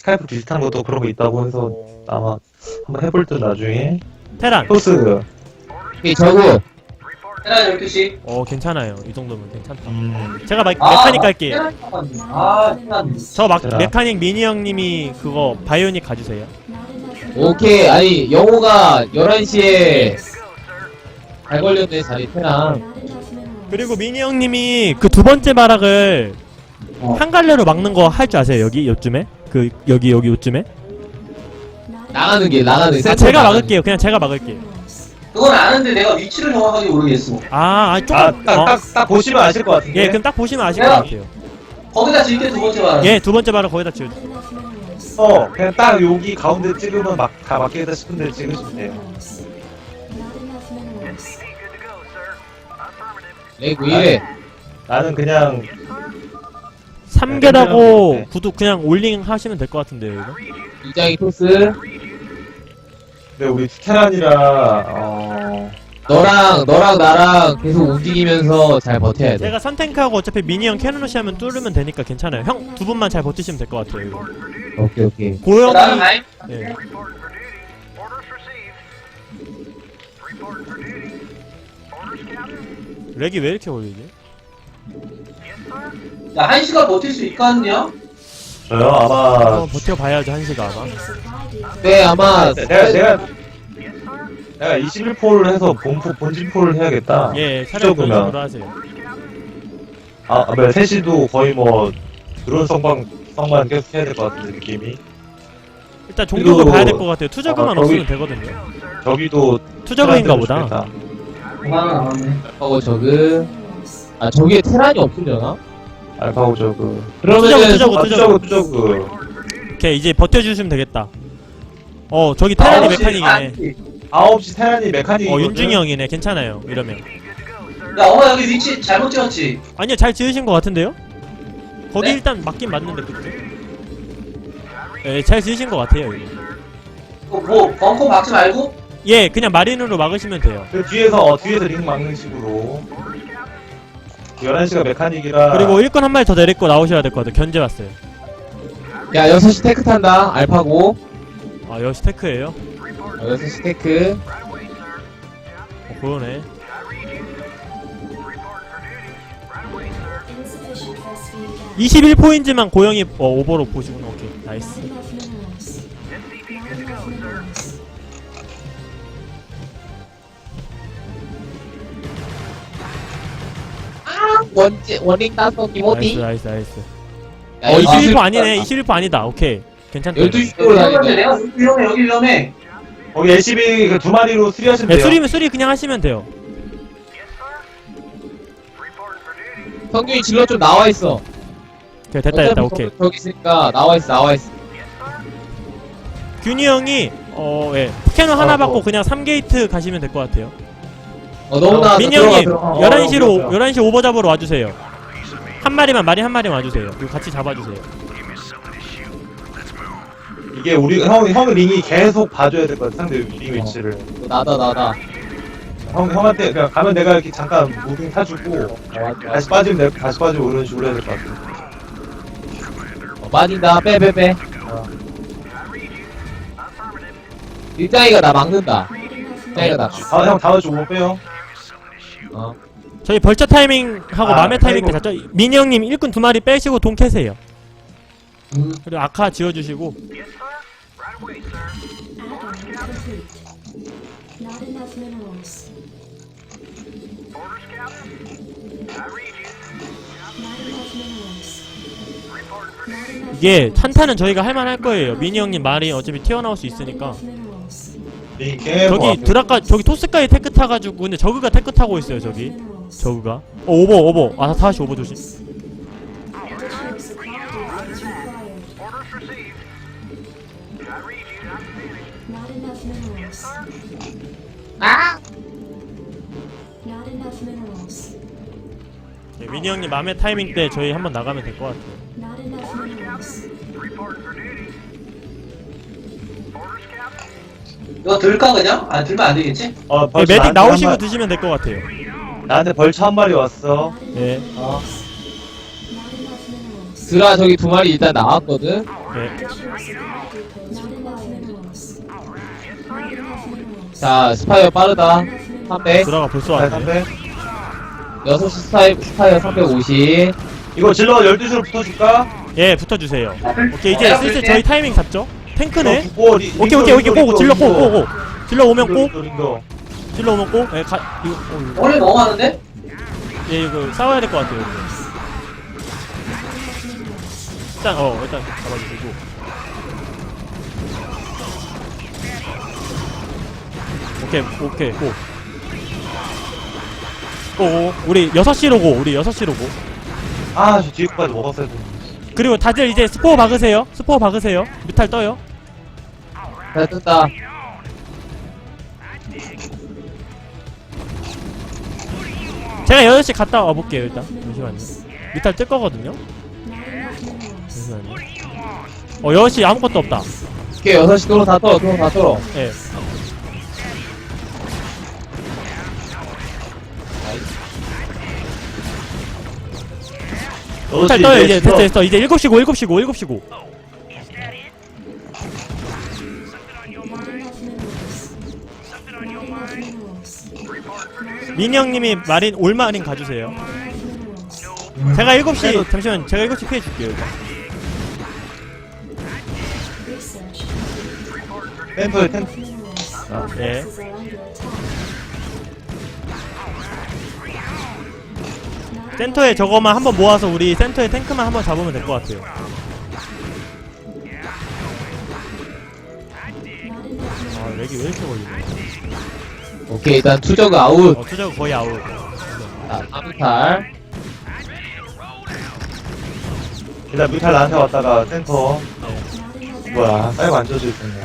스카이프 비슷한 것도 그런 거 있다고 해서 아마 한번 해볼 듯 나중에. 테란. 토스. 오케이, 저거. 테란 12시. 괜찮아요. 이 정도면 괜찮다. 제가 메카닉 갈게요. 테란. 저 자. 메카닉 미니 형님이 그거 바이오닉 가주세요. 오케이. 아니, 영호가 11시에 잘 걸렸네, 자리 테랑. 그리고 미니 형님이 그 두 번째 마락을 한 갈래로 막는 거 할 줄 아세요? 여기 요쯤에? 그 여기 요쯤에? 나가는 게. 제가 막을게요. 그냥 제가 막을게요. 그건 아는데 내가 위치를 정확하게 모르겠어. 조금. 딱 보시면 아실 것 같은데. 예, 그럼 딱 보시면 아실 것 같아요. 거기다 질게 두 번째 말. 예, 두 번째 마락 거기다 지워주세요. 그냥 딱 여기 가운데 찍으면 다 맞겠다 싶은데 찍으시면 돼요. 레이구 1회. 나는 그냥 3개라고 네. 구독 그냥 올링 하시면 될 것 같은데요, 이거? 이장이 토스. 근데 우리 테란이라 너랑 나랑 계속 움직이면서 잘 버텨야 돼. 제가 선탱크하고 어차피 미니 형 캐논러시 하면 뚫으면 되니까 괜찮아요. 형 두 분만 잘 버티시면 될 것 같아요, 이거. 오케이. 고영이. 나는 라인. 예. 렉이 왜 이렇게 걸리지? 야, 1시간 버틸 수 있겠냐? 저요 아마 한번 버텨봐야죠, 한시가 아마. 네, 아마. 내가 21포를 해서 본진포를 해야겠다. 예, 차라리 그런 그러면. 식으로 하세요. 셋이도 거의 뭐 드론 성만 계속 해야 될 것 같은데 느낌이. 일단 종족을 그리고- 봐야 될 것 같아요. 투저그만 저기- 없으면 되거든요. 저기도 투저그인가 보다. 좋겠다. 5만원 남았네. 저그. 저기에 테란이 없으려나? 알파고 저그. 그러면은. 투저그. 오케이, 이제 버텨주시면 되겠다. 저기 테란이 메카닉이네. 9시 테란이 메카닉이거든. 윤중이 형이네. 괜찮아요, 이러면. 야, 엄마 여기 위치 잘못 찍었지? 아니요, 잘 지으신 것 같은데요? 거기 네? 일단 맞긴 맞는데, 그죠? 예, 잘 지으신 것 같아요, 이거. 뭐 벙커 박지 말고? 예, 그냥 마린으로 막으시면 돼요. 그 뒤에서 링 막는 식으로. 11시가 메카닉이라. 그리고 일꾼 한 마리 더 내리고 나오셔야 될 것 같아요. 견제 왔어요. 야, 6시 테크 탄다. 알파고. 역시 테크예요. 6시 테크. 그러네. Insufficient force feed gas. 21포인트만 고영이 오버로 보시구나. 오케이, 나이스. Not enough minerals. Not enough minerals. 원링 따서 나이스, 기모티. 나이스, 나이스. 야, 21포 아니네. 21포 아니다. 오케이. 괜찮다. 12시 여기 쪽으로 위험한데 다니네. 내가 여기 위험해, 여기 위험해. 거기 LCB 그 2마리로 수리하시면 네, 돼요. 수리 그냥 하시면 돼요. 성균이 질러 좀 나와있어. 오케이, 됐다. 오케이. 저기 있으니까 나와있어. 균이 형이, 예. 캐논 하나 받고 그냥 3게이트 가시면 될 것 같아요. 너무나. 민이 형님, 11시 오버 잡으러 와주세요. 마린 한 마리만 와주세요. 그리고 같이 잡아주세요. 이게 우리 형 링이 계속 봐줘야 될 것 같아. 상대 링 위치를. 나다. 형한테 그냥 가면 내가 이렇게 잠깐 무빙 타주고 다시 빠지면 이런 식으로 해야 될 것 같아. 빠진다. 빼. 일장이가 나 막는다. 일장이가 나. 형 다음에 빼요. 저희 벌처 타이밍 하고 맘의 타이밍 때 아이고. 잡죠. 민이 형님 일꾼 2마리 빼시고 돈 캐세요. 음. 그리고 아카 지어주시고. Add-on complete. Not enough minerals. Not enough minerals. Not enough 이게 한타는 저희가 할만할 거예요. 민이 형님 말이 어차피 튀어나올 수 있으니까. minerals. 링 계속 저기 드라까 저기 토스까지 테크 타가지고 근데 저그가 테크 타고 있어요. 저기 저그가. 오버. 다시 오버 조심. Additional supply data is required. Not enough minerals. Not enough minerals. 네, 민이 형님 맘의 타이밍 때 저희 한번 나가면 될 것 같아요. Not enough minerals. 이거 들까 그냥? 들면 안 되겠지? 네, 벌써 메딕 나한테 나오시고 한 드시면 될 것 같아요. 나한테 벌처 한 마리 왔어. Not enough 예. minerals. Not enough minerals. 드라 저기 두 마리 일단 나왔거든. 예. 자, 스파이어 빠르다. 300. 드라가 벌써 자, 왔네. 300. 6시 스파이어 350. 이거 질러 12시로 붙어줄까? 예, 붙어주세요. 오케이, 이제 슬슬 저희 타이밍 잡죠? 탱크네? 오케이, 고! 질러 고! 질러 오면 고! 질러 오면 고! 예, 이거, 원래 너무 많은데? 예, 이거 싸워야 될 것 같아요. 이거. 일단 잡아주시고. 오케이, 고. 고, 우리 6시로 고, 우리 6시로 고. 아, 저 뒤에 거까지 먹었어야 돼. 그리고 다들 이제 스포어 박으세요. 뮤탈 떠요. 잘 뜬다. 제가 8시 갔다 와볼게요, 일단. 잠시만요. 뮤탈 뜰 거거든요. 잠시만요. 6시 아무것도 없다. 오케이, 6시 도로 다 떨어, 도로 다 떨어. 예. 뮤탈 떠요, 이제. 됐어. 이제 7시 고. 민이 형님이 올마린 가주세요. 제가 7시, 잠시만, 제가 7시 피해줄게요, 일단. 템플, 예. 센터에 저거만 한번 모아서 우리 센터에 탱크만 한번 잡으면 될 것 같아요. 아, 렉이 왜 이렇게 걸리네. 오케이, 일단 투저그 아웃. 투자가 거의 아웃. 자, 3탈. 일단 뮤탈 나한테 왔다가 센터. 뭐야, 사이버 안 져져 있었네.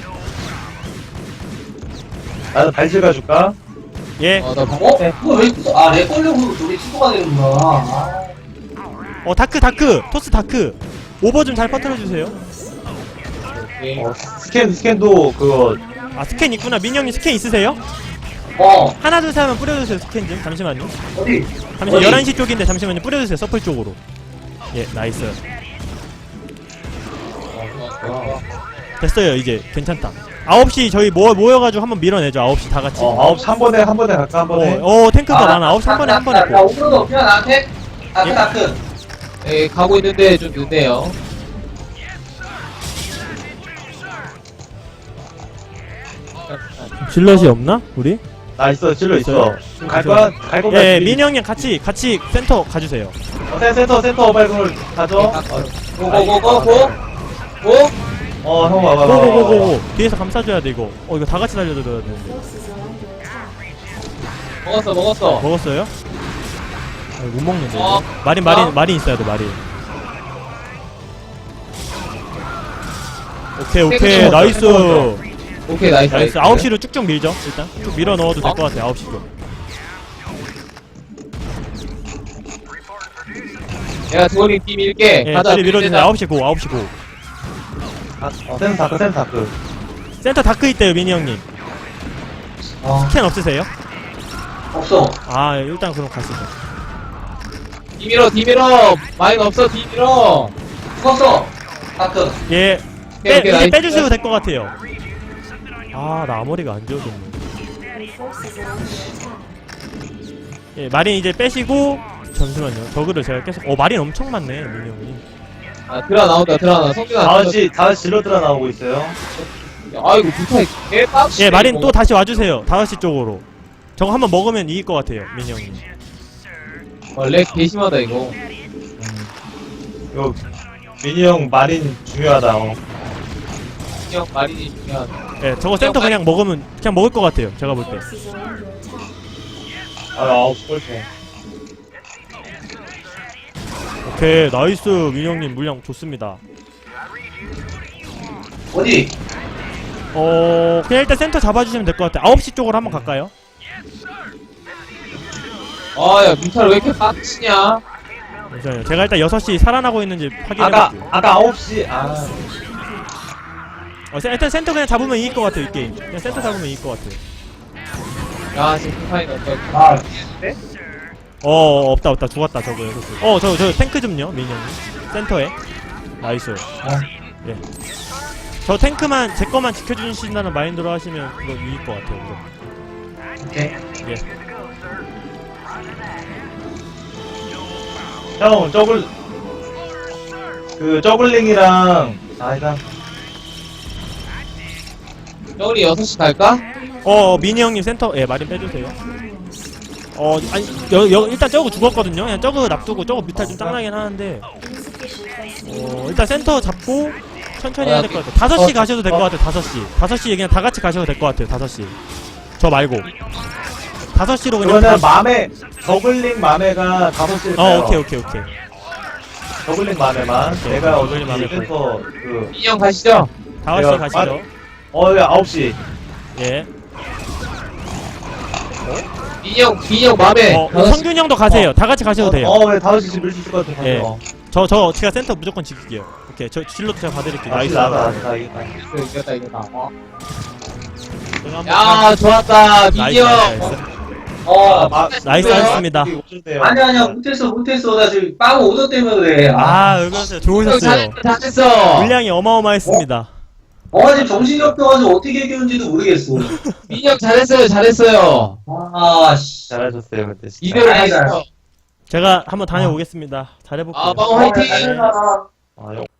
나는 발질 가줄까? 예. 나 어? 그거 왜 있어? 아, 내 걸려고 둘이 친구가 되는구나. 아. 다크. 토스 다크. 오버 좀 잘 퍼뜨려주세요. 오케이. 스캔도 그거, 스캔 있구나. 민이 형님 스캔 있으세요? 하나, 둘, 셋 하면 뿌려주세요, 스캔 좀. 잠시만요. 어디? 잠시만, 11시 쪽인데 잠시만요. 뿌려주세요, 서플 쪽으로. 예, 나이스. 됐어요, 이제. 괜찮다. 9시 저희 모여가지고 한번 밀어내죠, 9시 다 같이. 9시 한 번에 갈까, 한 번에? 탱크가 많아. 9시 한 번에 한 번에. 나 오브로드 없냐, 나한테? 다크. 예, 가고 있는데 좀 늦네요. 질럿이 없나? 우리? 나 있어, 질러 있어. 지금 갈 있어요? 거야? 갈 거면 예, 민이 형님 같이 센터 가주세요. 센터 발굴 가져. 고고고고고. 형 와봐. 고고고고. 뒤에서 감싸줘야 돼, 이거. 이거 다 같이 달려줘야 되는데. 먹었어. 먹었어요? 못 먹는데, 이거. 어. 마린 있어야 돼, 마린. 오케이, 나이스. 오케이, 나이스. 나이스. 9시로 쭉쭉 밀죠, 일단. 쭉 밀어 넣어도 될 것 같아, 9시로. 내가 드원님 팀 밀게. 예, 가자. 빨리 밀어주세요. 9시 고. 센터 다크. 센터 다크 있대요, 민이 형님. 스캔 없으세요? 없어. 일단 그럼 가시죠. 뒤 밀어. 마인 없어, 뒤 밀어. 죽었어. 다크. 예. 오케이, 이제 나이스. 빼주셔도 될 것 같아요. 나 앞머리가 안 지워졌네. 예, 마린 이제 빼시고, 잠시만요. 저그를 제가 계속, 마린 엄청 많네, 민이 형님. 드라 나온다. 성준아. 5시 질러들어 나오고 있어요. 아이고, 부탁. 개빡치. 예, 마린 또 다시 와주세요. 5시 쪽으로. 저거 한번 먹으면 이길 것 같아요, 민이 형님. 렉 개심하다, 이거. 이거, 미니 형 마린 중요하다. 형 마린이 중요하다. 예, 저거 센터 그냥 먹으면, 그냥 먹을 것 같아요, 제가 볼 때. 9시 꼴찌. 오케이, 나이스. 민이 형님 물량 좋습니다. 어디? 그냥 일단 센터 잡아주시면 될 것 같아요. 9시 쪽으로 한번 갈까요? 야, 뮤탈 왜 이렇게 빡치냐? 잠시만요. 제가 일단 6시 살아나고 있는지 확인해볼게요. 아까 9시, 일단 센터 그냥 잡으면 이길 것 같아요, 이 게임. 그냥 센터 잡으면 이길 것 같아요. 야, 지금 파인 어떡해. 없다 죽었다 저거. 저 탱크 좀요 민영님 센터에. 나이스. 예. 저 탱크만 제 거만 지켜주신다는 마인드로 하시면 그거 유일 것 같아요. 그거. 오케이. 예. 형 저글링이랑 아니다. 우리 6시 갈까? 미니 형님 센터 예 마린 빼주세요. 아니 일단 저거 죽었거든요. 그냥 저거 놔두고 저거 뮤탈 좀 짱나긴 하는데 Insufficient placement. 일단 센터 잡고 천천히 해야 될 것 같아요. 5시 가셔도 될 것 같아요. 5시에 그냥 다 같이 가셔도 될 것 같아요. 5시 저 말고 5시로 그냥 그러면 저글링 맘에가 5시에 오케이 저글링 맘에만 오케이, 내가 저글링 어차피 맘에 센터 민영 가시죠. 5시 내가 가시죠. 9시. 예. 민영 맘에. 성균 형도 가세요. 다 같이 가셔도 돼요. 왜 5시 지금 밀수 있을 것 같은 예. 거. 제가 센터 무조건 지킬게요. 오케이. 저 진로도 제가 봐드릴게요. 나이스. 나다. 이겼다. 제가 한번 야, 좋았다. 나이스, 민영. 나이스 하셨습니다. 아니야, 못했어. 나 지금 빵 오더 때문에 그래. 왜 그러세요? 좋으셨어요. 잘했어. 물량이 어마어마했습니다. 지금 정신이 없어가지고 어떻게 이겼는지도 모르겠어. 민영 잘했어요. 씨. 잘하셨어요 그때. 진짜. 이대로 아이고. 가시죠. 제가 한번 다녀오겠습니다. 잘해볼게요. 빵 화이팅. 형.